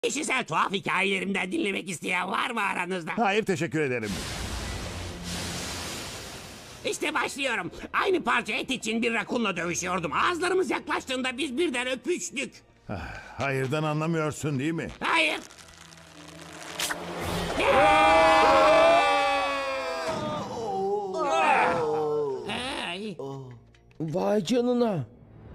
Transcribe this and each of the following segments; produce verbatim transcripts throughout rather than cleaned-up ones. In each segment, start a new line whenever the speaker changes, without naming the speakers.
Kişisel tuhaf hikayelerimden dinlemek isteyen var mı aranızda?
Hayır, teşekkür ederim.
İşte başlıyorum. Aynı parça et için bir rakunla dövüşüyordum. Ağızlarımız yaklaştığında biz birden öpüştük.
Hayırdan anlamıyorsun değil mi?
Hayır. Ay.
Vay canına.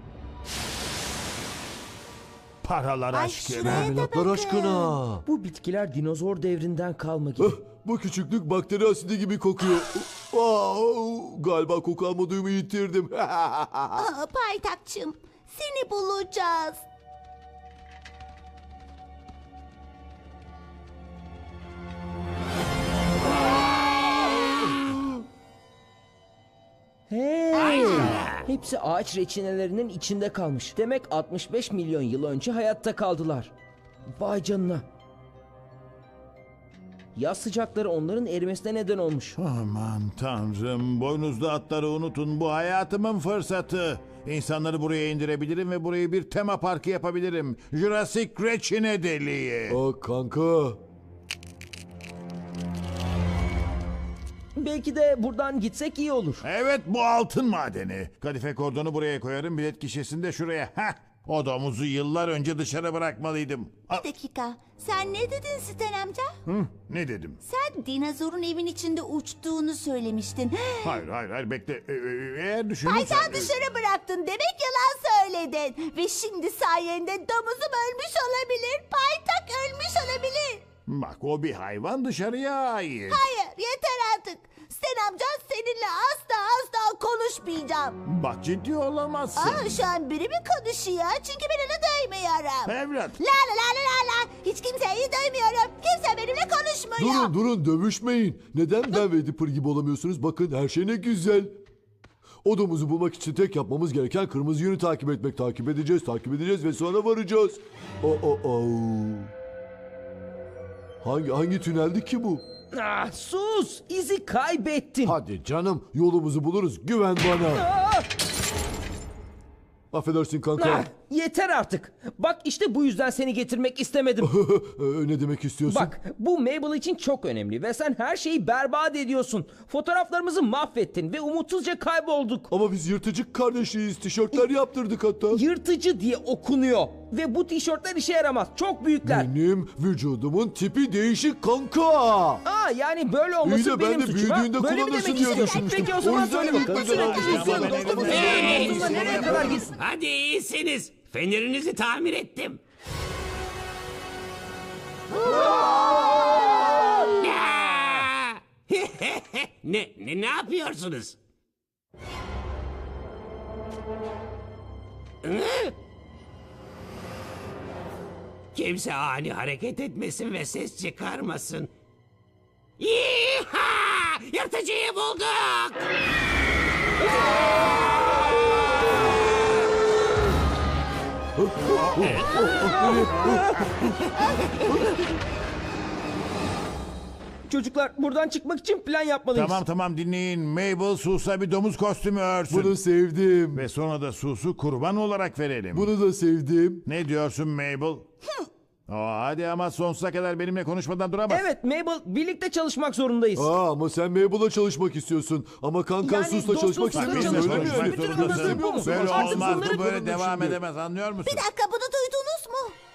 Paralar
Ay
aşkına.
şuraya da
Milatlar
bakın.
aşkına.
Bu bitkiler dinozor devrinden kalma gibi.
Eh, bu küçüklük bakteri asidi gibi kokuyor. Aa, galiba koku alma duyumu yitirdim.
Aa, paytakçım, seni bulacağız.
Hey! Hepsi ağaç reçinelerinin içinde kalmış. Demek altmış beş milyon yıl önce hayatta kaldılar. Vay canına. Yaz sıcakları onların erimesine neden olmuş.
Aman tanrım, boynuzlu atları unutun. Bu hayatımın fırsatı. İnsanları buraya indirebilirim ve burayı bir tema parkı yapabilirim. Jurassic Reçine Deliği.
Aa, kanka.
Belki de buradan gitsek iyi olur.
Evet, bu altın madeni. Kadife kordonu buraya koyarım, bilet gişesini de şuraya. Heh, o domuzu yıllar önce dışarı bırakmalıydım. Aa,
Bir dakika, sen ne dedin Siten amca?
hı, ne dedim?
Sen dinozorun evin içinde uçtuğunu söylemiştin.
Hayır, hayır, hayır, bekle. Ee, e, Eğer düşünürsen...
Paytağı dışarı bıraktın, demek yalan söyledin. Ve şimdi sayende domuzum ölmüş olabilir, paytak ölmüş olabilir.
Bak, o bir hayvan, dışarıya ait.
Hayır, yeter artık. Sen amca, seninle asla asla konuşmayacağım.
Bak, ciddi olamazsın.
Aa, şu an biri mi konuşuyor? Çünkü ben onu duymuyorum.
Evlat.
La la la la la la. Hiç kimseyi duymuyorum. Kimse benimle konuşmuyor.
Durun durun dövüşmeyin. Neden ben ve Dipper gibi olamıyorsunuz? Bakın her şey ne güzel. O domuzu bulmak için tek yapmamız gereken kırmızı yönü takip etmek. Takip edeceğiz, takip edeceğiz ve sonra varacağız. O o o. Hangi hangi tüneldi ki bu?
Ah, sus! İzi kaybettin.
Hadi canım, yolumuzu buluruz. Güven bana.
Ah!
Affedersin
Ah,
kanka.
yeter artık. Bak işte bu yüzden seni getirmek istemedim.
Ee, ne demek istiyorsun?
Bak bu Mabel için çok önemli ve sen her şeyi berbat ediyorsun. Fotoğraflarımızı mahvettin ve umutsuzca kaybolduk.
Ama biz yırtıcı kardeşiyiz. Tişörtler yaptırdık hatta.
Yırtıcı diye okunuyor. Ve bu tişörtler işe yaramaz. Çok büyükler.
Benim vücudumun tipi değişik kanka.
Aa yani böyle
İyi
olması
de ben
benim
de
suçum ha?
büyüdüğünde
Böyle mi
kullanırsın
demek
diye
istiyorsun?
düşünmüştüm.
Peki o zaman
O yüzden
söyle bakalım.
gitmeden
Sürekli
alacağım.
izliyorum.
Ben
Dostumuz
elimden
nereye
geleni
gitsin? Nereye kadar gitsin?
Hadi iyisiniz. Fenerinizi tamir ettim. Ya! ne, ne ne yapıyorsunuz? Hı? Kimse ani hareket etmesin ve ses çıkarmasın. Yiha! Yırtıcıyı bulduk!
Çocuklar buradan çıkmak için plan yapmalıyız.
Tamam tamam, dinleyin. Mabel Sus'a bir domuz kostümü örsün.
Bunu sevdim.
Ve sonra da Sus'u kurban olarak verelim.
Bunu da sevdim.
Ne diyorsun Mabel? Aa, hadi ama sonsuza kadar benimle konuşmadan duramaz.
Evet Mabel birlikte çalışmak zorundayız.
Aa, ama sen Mabel'la çalışmak istiyorsun. Ama kankan
Yani
Sus'la çalışmak
dostluk
Bak,
Sus'la
istemiyor.
benimle
Öyle mi?
çalışmak
konuşmak
Bütün
zorundasın.
anlatım bu mu?
Böyle
Artık
olmaz,
bunları
bu böyle
konuşalım
devam
şimdi.
edemez, anlıyor musun?
Bir dakika, bunu duydunuz mu?